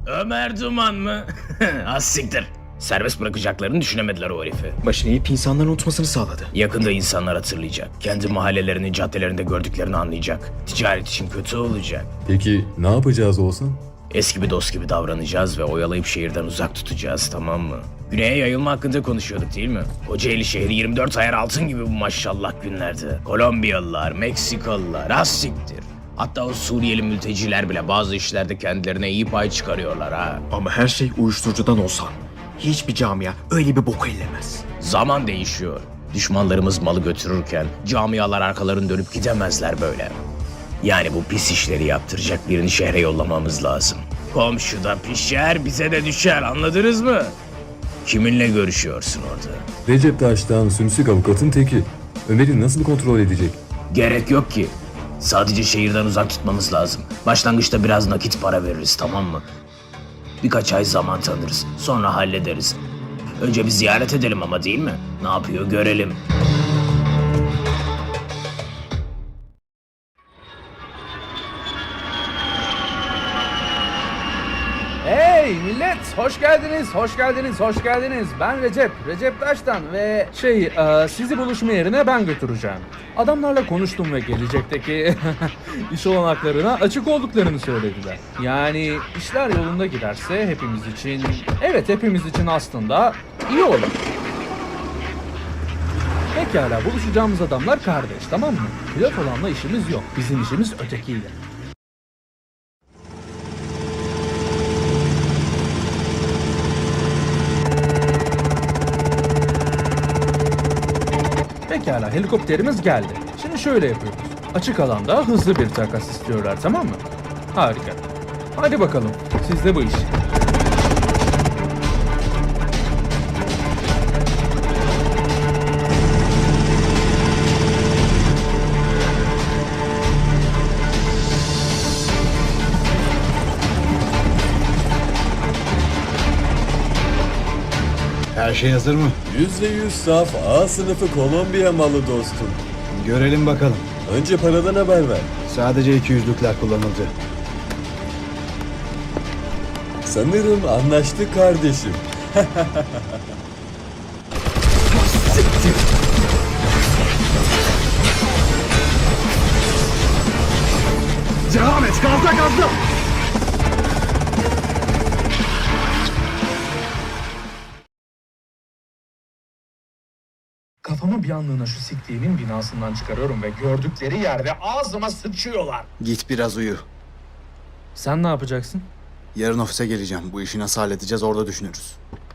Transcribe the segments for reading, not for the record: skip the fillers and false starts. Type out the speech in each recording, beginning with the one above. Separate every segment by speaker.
Speaker 1: Ömer Duman mı? Az siktir. Serbest bırakacaklarını düşünemediler o herifi.
Speaker 2: Başını eğip insanların unutmasını sağladı.
Speaker 1: Yakında insanlar hatırlayacak. Kendi mahallelerinin caddelerinde gördüklerini anlayacak. Ticaret için kötü olacak.
Speaker 3: Peki ne yapacağız Oğuzhan?
Speaker 1: Eski bir dost gibi davranacağız ve oyalayıp şehirden uzak tutacağız, tamam mı? Güney'e yayılma hakkında konuşuyorduk değil mi? Kocaeli şehri 24 ayar altın gibi bu maşallah günlerde. Kolombiyalılar, Meksikalılar, az siktir. Hatta o Suriyeli mülteciler bile bazı işlerde kendilerine iyi pay çıkarıyorlar ha.
Speaker 2: Ama her şey uyuşturucudan olsa hiçbir camia öyle bir boku ellemez.
Speaker 1: Zaman değişiyor. Düşmanlarımız malı götürürken camialar arkalarını dönüp gidemezler böyle. Yani bu pis işleri yaptıracak birini şehre yollamamız lazım. Komşuda pişer, bize de düşer, anladınız mı? Kiminle görüşüyorsun orada?
Speaker 3: Recep Taş'tan sümsük avukatın teki. Ömer'i nasıl kontrol edecek?
Speaker 1: Gerek yok ki. Sadece şehirden uzak tutmamız lazım. Başlangıçta biraz nakit para veririz, tamam mı? Birkaç ay zaman tanırız. Sonra hallederiz. Önce bir ziyaret edelim ama, değil mi? Ne yapıyor görelim.
Speaker 4: Hey millet, hoş geldiniz, hoş geldiniz, hoş geldiniz. Ben Recep Taş'tan ve sizi buluşma yerine ben götüreceğim. Adamlarla konuştum ve gelecekteki iş olanaklarına açık olduklarını söylediler. Yani işler yolunda giderse hepimiz için aslında iyi olur. Pekala, buluşacağımız adamlar kardeş, tamam mı? Pilot olanla işimiz yok, bizim işimiz ötekiyle. Pekala, helikopterimiz geldi. Şimdi şöyle yapıyoruz. Açık alanda hızlı bir takas istiyorlar, tamam mı? Harika. Hadi bakalım, sizde bu iş.
Speaker 5: Her şey hazır mı?
Speaker 3: %100 saf A sınıfı Kolombiya malı dostum.
Speaker 5: Görelim bakalım.
Speaker 3: Önce paradan haber ver.
Speaker 5: Sadece 200'lükler kullanıldı.
Speaker 3: Sanırım anlaştık kardeşim.
Speaker 5: Devam et, gazla!
Speaker 4: Kafamı bir anlığına şu siktiğimin binasından çıkarıyorum ve gördükleri yerde ağzıma sıçıyorlar.
Speaker 5: Git biraz uyu.
Speaker 4: Sen ne yapacaksın?
Speaker 5: Yarın ofise geleceğim. Bu işi nasıl halledeceğiz orada düşünürüz.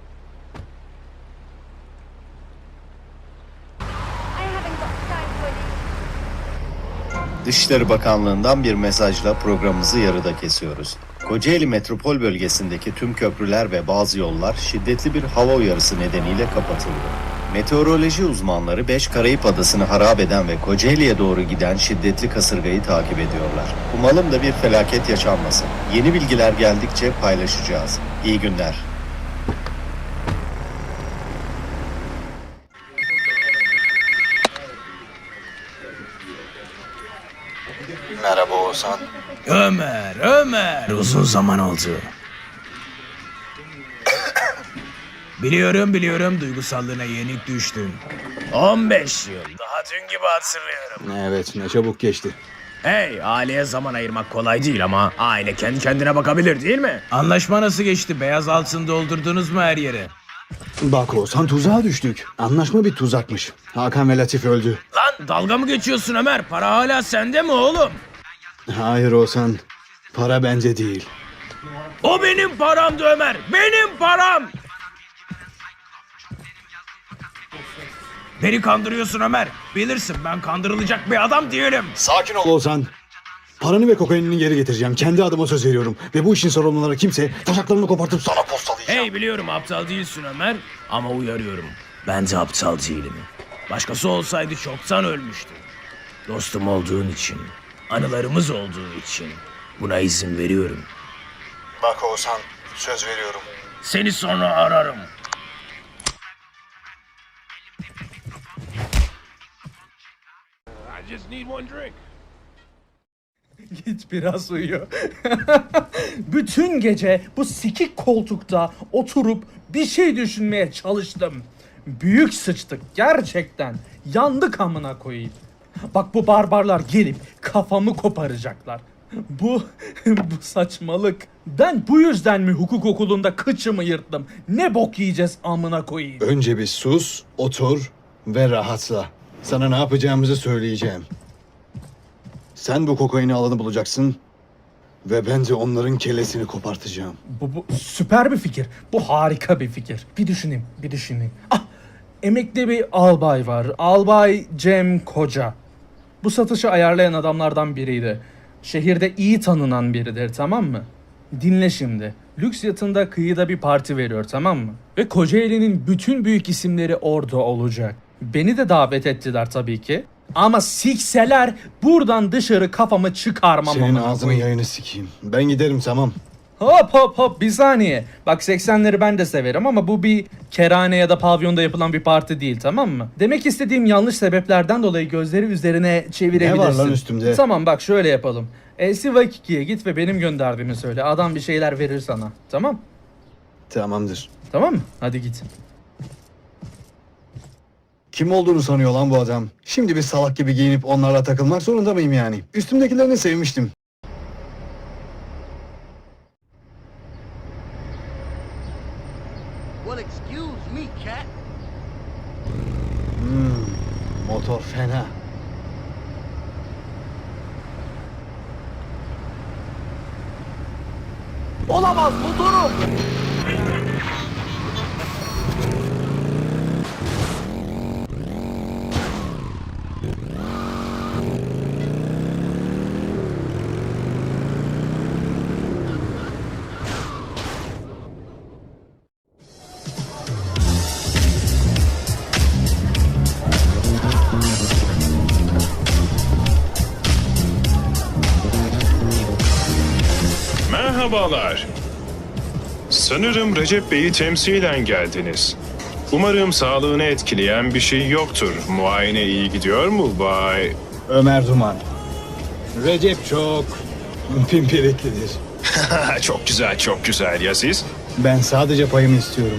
Speaker 6: Dışişleri Bakanlığı'ndan bir mesajla programımızı yarıda kesiyoruz. Kocaeli metropol bölgesindeki tüm köprüler ve bazı yollar şiddetli bir hava uyarısı nedeniyle kapatıldı. Meteoroloji uzmanları 5 Karayip adasını harap eden ve Kocaeli'ye doğru giden şiddetli kasırgayı takip ediyorlar. Umalım da bir felaket yaşanmasın. Yeni bilgiler geldikçe paylaşacağız. İyi günler.
Speaker 5: Merhaba Oğuzhan.
Speaker 1: Ömer, uzun zaman oldu. Biliyorum, duygusallığına yenik düştün. 15 yıl, daha dün gibi hatırlıyorum.
Speaker 5: Evet, ne çabuk geçti.
Speaker 1: Hey, aileye zaman ayırmak kolay değil ama aile kendi kendine bakabilir, değil mi? Anlaşma nasıl geçti? Beyaz altın doldurdunuz mu her yere?
Speaker 5: Bak Oğuzhan, tuzağa düştük. Anlaşma bir tuzakmış. Hakan ve Latif öldü.
Speaker 1: Lan dalga mı geçiyorsun Ömer? Para hala sende mi oğlum?
Speaker 5: Hayır Oğuzhan, para bence değil.
Speaker 1: O benim paramdı Ömer, benim param! Beni kandırıyorsun Ömer. Bilirsin ben kandırılacak bir adam değilim.
Speaker 5: Sakin ol Oğuzhan. Paranı ve kokainini geri getireceğim. Kendi adıma söz veriyorum. Ve bu işin sorumluları kimse taşaklarını kopartıp sana postalayacağım.
Speaker 1: Hey biliyorum aptal değilsin Ömer ama uyarıyorum. Ben de aptal değilim. Başkası olsaydı çoktan ölmüştü. Dostum olduğun için, anılarımız olduğu için buna izin veriyorum.
Speaker 5: Bak Oğuzhan, söz veriyorum.
Speaker 1: Seni sonra ararım.
Speaker 7: I just need one drink.
Speaker 4: Git biraz uyu. Bütün gece bu sikik koltukta oturup bir şey düşünmeye çalıştım. Büyük sıçtık gerçekten. Yandık amına koyayım. Bak bu barbarlar gelip kafamı koparacaklar. Bu saçmalık. Ben bu yüzden mi hukuk okulunda kıçımı yırttım? Ne bok yiyeceğiz amına koyayım.
Speaker 5: Önce bir sus, otur ve rahatla. Sana ne yapacağımızı söyleyeceğim. Sen bu kokaini alanı bulacaksın ve ben de onların kellesini kopartacağım.
Speaker 4: Bu süper bir fikir. Bu harika bir fikir. Bir düşüneyim. Ah, emekli bir albay var. Albay Cem Koca. Bu satışı ayarlayan adamlardan biriydi. Şehirde iyi tanınan biridir, tamam mı? Dinle şimdi. Lüks yatında kıyıda bir parti veriyor, tamam mı? Ve Kocaeli'nin bütün büyük isimleri orada olacak. Beni de davet ettiler tabii ki. Ama sikseler buradan dışarı kafamı çıkarmam.
Speaker 5: Senin
Speaker 4: amına
Speaker 5: ağzının
Speaker 4: koyayım.
Speaker 5: yayını sikeyim. Ben giderim, tamam.
Speaker 4: Hop bir saniye. Bak 80'leri ben de severim ama bu bir kerane ya da pavyonda yapılan bir parti değil, tamam mı? Demek istediğim yanlış sebeplerden dolayı gözleri üzerine çevirebilirsin.
Speaker 5: Ne var lan üstümde?
Speaker 4: Tamam bak şöyle yapalım. Sivakiki'ye git ve benim gönderdiğimi söyle. Adam bir şeyler verir sana. Tamam?
Speaker 5: Tamamdır.
Speaker 4: Tamam mı? Hadi git.
Speaker 5: Kim olduğunu sanıyor lan bu adam? Şimdi bir salak gibi giyinip onlarla takılmak zorunda mıyım yani? Üstümdekilerini sevmiştim.
Speaker 7: Well, excuse me, cat.
Speaker 5: Motor fena.
Speaker 7: Olamaz motorum.
Speaker 8: Merhabalar. Sanırım Recep Bey'i temsilen geldiniz. Umarım sağlığını etkileyen bir şey yoktur. Muayene iyi gidiyor mu Bay?
Speaker 5: Ömer Duman. Recep çok pimpiriklidir.
Speaker 8: Çok güzel, çok güzel. Ya siz?
Speaker 5: Ben sadece payımı istiyorum.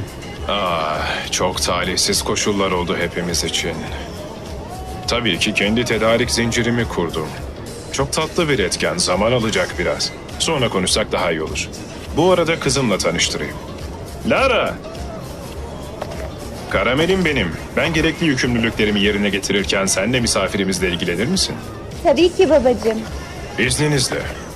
Speaker 8: Çok talihsiz koşullar oldu hepimiz için. Tabii ki kendi tedarik zincirimi kurdum. Çok tatlı bir etken, zaman alacak biraz. Sonra konuşsak daha iyi olur. Bu arada kızımla tanıştırayım. Lara! Karamelim benim. Ben gerekli yükümlülüklerimi yerine getirirken sen de misafirimizle ilgilenir misin?
Speaker 9: Tabii ki babacığım.
Speaker 8: İzninizle.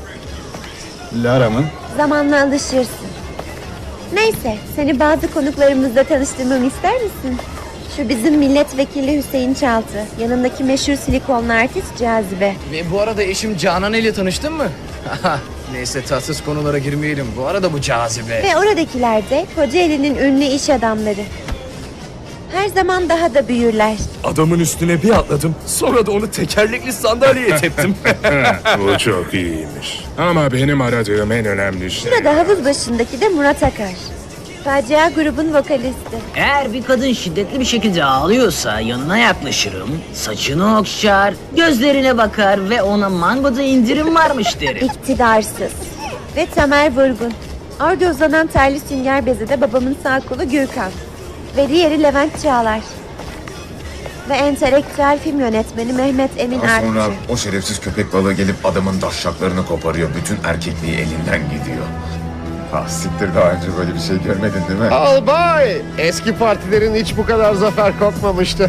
Speaker 5: Lara mı?
Speaker 9: Zamanla alışırsın. Neyse, seni bazı konuklarımızla tanıştırmamı ister misin? Şu bizim milletvekili Hüseyin Çaltı. Yanındaki meşhur silikonlu artist Cazibe.
Speaker 10: Ve bu arada eşim Canan ile tanıştın mı? Neyse tatsız konulara girmeyelim. Bu arada bu Cazibe.
Speaker 9: Ve oradakiler de Kocaeli'nin ünlü iş adamları. Her zaman daha da büyürler.
Speaker 3: Adamın üstüne bir atladım. Sonra da onu tekerlekli sandalyeye teptim.
Speaker 8: Bu çok iyiymiş. Ama benim aradığım en önemli şey...
Speaker 9: Burada havuz başındaki de Murat Akar. Facia grubun vokalisti.
Speaker 11: Eğer bir kadın şiddetli bir şekilde ağlıyorsa yanına yaklaşırım, saçını okşar, gözlerine bakar ve ona mangoda indirim varmış derim.
Speaker 9: İktidarsız. Ve Tamer Vurgun. Orada uzanan terli sünger bezi de babamın sağ kolu Gürkan. Ve diğeri Levent Çağlar. Ve entelektüel film yönetmeni Mehmet Emin
Speaker 12: Daha sonra
Speaker 9: Artçı.
Speaker 12: o şerefsiz köpek balığı gelip adamın daşşaklarını koparıyor. Bütün erkekliği elinden gidiyor. Ah siktir, daha önce böyle bir şey görmedin değil mi?
Speaker 7: Albay! Eski partilerin hiç bu kadar zafer kopmamıştı.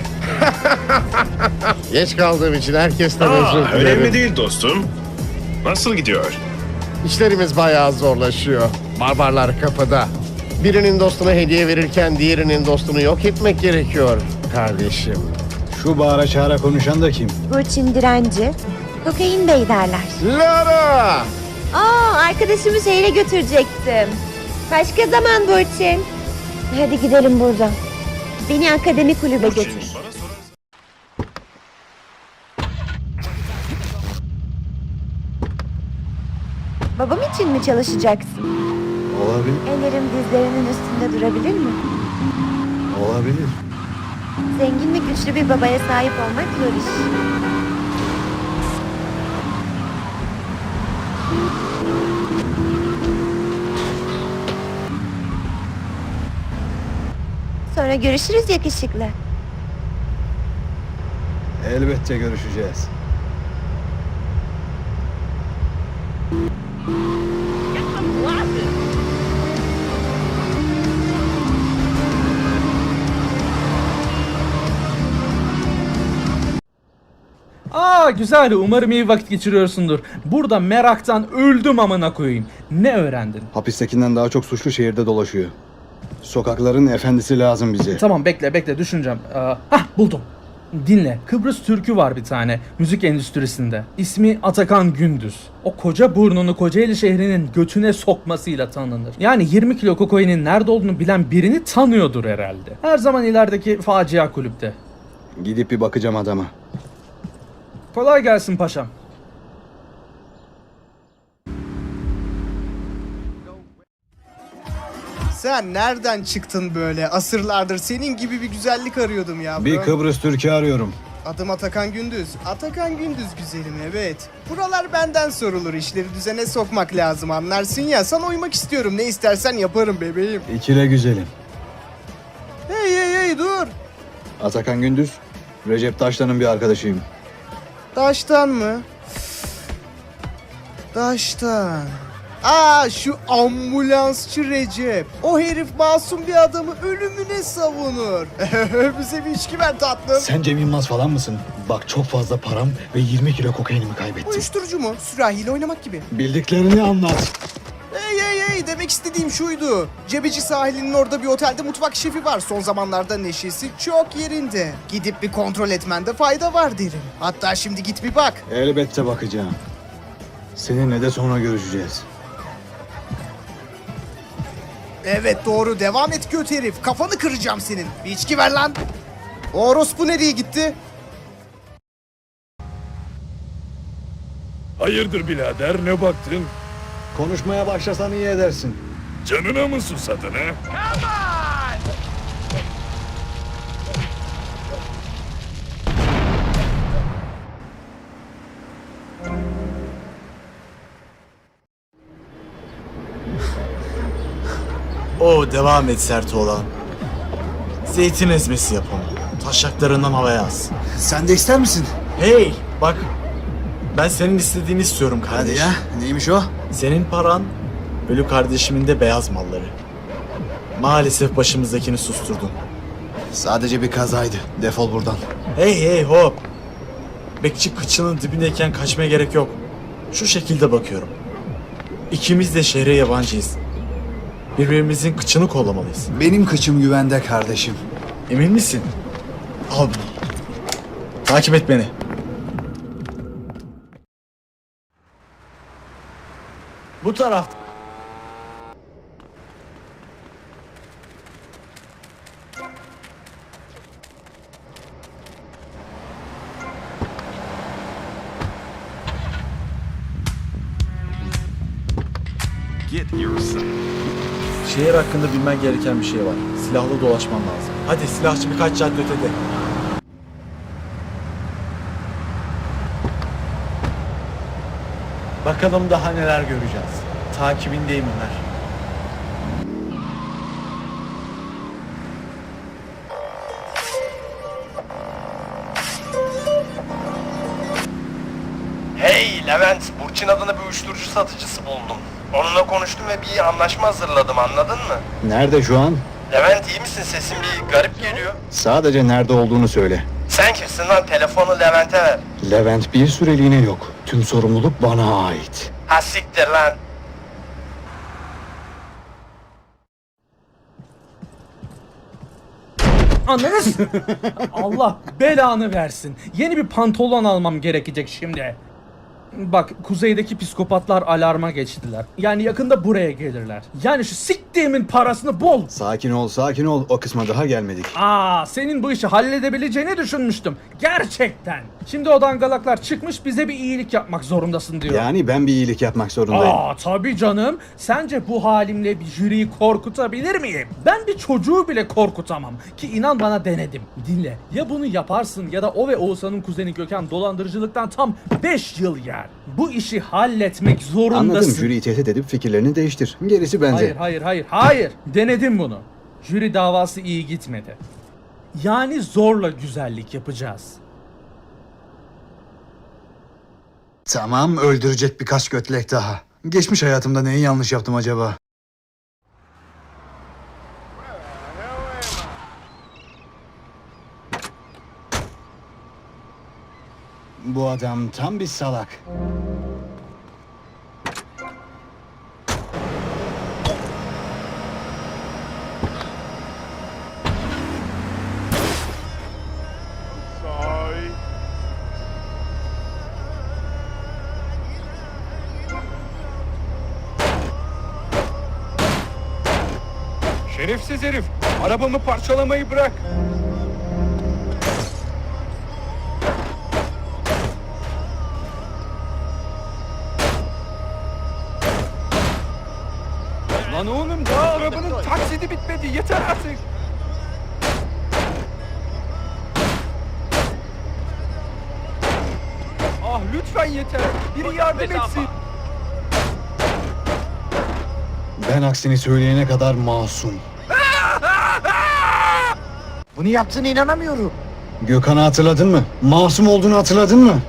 Speaker 7: Geç kaldığım için herkesten özür dilerim.
Speaker 8: Önemli değil dostum. Nasıl gidiyor?
Speaker 7: İşlerimiz bayağı zorlaşıyor. Barbarlar kapıda. Birinin dostuna hediye verirken diğerinin dostunu yok etmek gerekiyor kardeşim.
Speaker 5: Şu bağıra çağıra konuşan da kim?
Speaker 9: Burçin Direnci. Kokain Bey derler.
Speaker 7: Lara!
Speaker 9: Arkadaşımı şehre götürecektim. Başka zaman Burçin. Hadi gidelim buradan. Beni akademi kulübe götür. Babam için mi çalışacaksın?
Speaker 5: Olabilir.
Speaker 9: Ellerim dizlerinin üstünde durabilir mi?
Speaker 5: Olabilir.
Speaker 9: Zengin ve güçlü bir babaya sahip olmak zor iş. Sonra görüşürüz yakışıklı.
Speaker 5: Elbette görüşeceğiz.
Speaker 4: Güzel. Umarım iyi vakit geçiriyorsundur. Burada meraktan öldüm amına koyayım. Ne öğrendin?
Speaker 5: Hapistekinden daha çok suçlu şehirde dolaşıyor. Sokakların efendisi lazım bize.
Speaker 4: Tamam bekle düşüneceğim. Buldum. Dinle. Kıbrıs Türk'ü var bir tane müzik endüstrisinde. İsmi Atakan Gündüz. O koca burnunu Kocaeli şehrinin götüne sokmasıyla tanınır. Yani 20 kilo kokainin nerede olduğunu bilen birini tanıyordur herhalde. Her zaman ilerideki facia kulüpte.
Speaker 5: Gidip bir bakacağım adama.
Speaker 4: Kolay gelsin paşam.
Speaker 13: Sen nereden çıktın böyle? Asırlardır senin gibi bir güzellik arıyordum ya.
Speaker 5: Bir Kıbrıs Türk'ü arıyorum.
Speaker 13: Adım Atakan Gündüz. Atakan Gündüz güzelim, evet. Buralar benden sorulur. İşleri düzene sokmak lazım, anlarsın ya. Sana uymak istiyorum. Ne istersen yaparım bebeğim.
Speaker 5: İkile güzelim.
Speaker 13: Hey dur.
Speaker 5: Atakan Gündüz, Recep Taşlan'ın bir arkadaşıyım.
Speaker 13: Taştan mı? Taştan. Şu ambulansçı Recep. O herif masum bir adamı ölümüne savunur. Bize bir içki ver tatlım.
Speaker 5: Sen Cem Yılmaz falan mısın? Bak çok fazla param ve 20 kilo kokainimi kaybettim.
Speaker 13: Uyuşturucu mu? Sürahiyle oynamak gibi.
Speaker 5: Bildiklerini anlat.
Speaker 13: Hey, demek istediğim şuydu. Cebeci sahilinin orada bir otelde mutfak şefi var. Son zamanlarda neşesi çok yerinde. Gidip bir kontrol etmende fayda var derim. Hatta şimdi git bir bak.
Speaker 5: Elbette bakacağım. Seninle de sonra görüşeceğiz.
Speaker 13: Evet doğru, devam et göt herif. Kafanı kıracağım senin. Bir içki ver lan. O orospu nereye gitti?
Speaker 8: Hayırdır birader, ne baktın?
Speaker 5: Konuşmaya başlasan iyi edersin.
Speaker 8: Canına mı susadın ha?
Speaker 14: Devam et sert olan. Zeytin ezmesi yap onu. Taşaklarından havaya az.
Speaker 5: Sen de ister misin?
Speaker 14: Hey bak. Ben senin istediğini istiyorum kardeşim.
Speaker 5: Hadi ya, neymiş o?
Speaker 14: Senin paran, ölü kardeşimin de beyaz malları. Maalesef başımızdakini susturdun.
Speaker 5: Sadece bir kazaydı. Defol buradan.
Speaker 14: Hey hop. Bekçi kıçının dibindeyken kaçmaya gerek yok. Şu şekilde bakıyorum. İkimiz de şehre yabancıyız. Birbirimizin kıçını kollamalıyız.
Speaker 5: Benim kıçım güvende kardeşim.
Speaker 14: Emin misin? Al bunu. Takip et beni. Bu tarafta. Şehir hakkında bilmen gereken bir şey var. Silahlı dolaşman lazım. Hadi silahçı birkaç cadde ötede. Bakalım daha neler göreceğiz. Takibindeyim Ömer.
Speaker 15: Hey Levent, Burçin adına bir uyuşturucu satıcısı buldum. Onunla konuştum ve bir anlaşma hazırladım, anladın mı?
Speaker 5: Nerede şu an?
Speaker 15: Levent iyi misin? Sesin bir garip geliyor.
Speaker 5: Sadece nerede olduğunu söyle.
Speaker 15: Sen kimsin lan? Telefonu Levent'e ver.
Speaker 5: Levent bir süreliğine yok. Tüm sorumluluk bana ait.
Speaker 15: Ha siktir lan.
Speaker 4: Anladınız? Allah belanı versin. Yeni bir pantolon almam gerekecek şimdi. Bak kuzeydeki psikopatlar alarma geçtiler. Yani yakında buraya gelirler. Yani şu siktiğimin parasını bol.
Speaker 5: Sakin ol. O kısma daha gelmedik.
Speaker 4: Senin bu işi halledebileceğini düşünmüştüm. Gerçekten. Şimdi o dangalaklar çıkmış bize bir iyilik yapmak zorundasın diyor.
Speaker 5: Yani ben bir iyilik yapmak zorundayım.
Speaker 4: Tabii canım. Sence bu halimle bir jüriyi korkutabilir miyim? Ben bir çocuğu bile korkutamam. Ki inan bana denedim. Dinle. Ya bunu yaparsın ya da o ve Oğuzhan'ın kuzeni Gökhan dolandırıcılıktan tam 5 yıl yer. Bu işi halletmek zorundasın.
Speaker 5: Anladım. Jüriyi tehdit edip fikirlerini değiştir. Gerisi bende.
Speaker 4: Hayır. Denedim bunu. Jüri davası iyi gitmedi. Yani zorla güzellik yapacağız.
Speaker 5: Tamam, öldürecek birkaç götlek daha. Geçmiş hayatımda neyi yanlış yaptım acaba? Bu adam tam bir salak.
Speaker 15: Şerefsiz herif. Arabamı parçalamayı bırak. Lan oğlum daha arabanın taksidi bitmedi. Yeter artık. Ah lütfen yeter. Biri yardım etsin.
Speaker 5: Ben aksini söyleyene kadar masum.
Speaker 10: Bunu yaptığına inanamıyorum.
Speaker 5: Gökhan'ı hatırladın mı? Masum olduğunu hatırladın mı?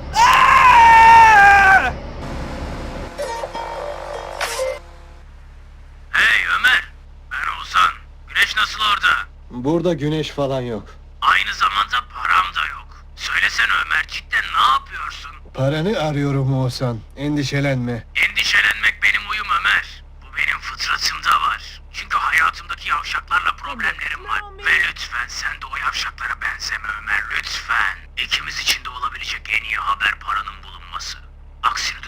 Speaker 1: Hey Ömer, ben Oğuzhan. Güneş nasıl orada?
Speaker 5: Burada güneş falan yok.
Speaker 1: Aynı zamanda param da yok. Söylesene Ömer, cidden ne yapıyorsun?
Speaker 5: Paranı arıyorum Oğuzhan. Endişelenme.
Speaker 1: Endişelenmek benim uyum Ömer. Bu benim fıtratımda var. Çünkü hayatımdaki yavşaklarla problemlerim var. Ve lütfen sen de o yavşaklara benzeme Ömer, lütfen. İkimiz için de olabilecek en iyi haber paranın bulunması. Aksine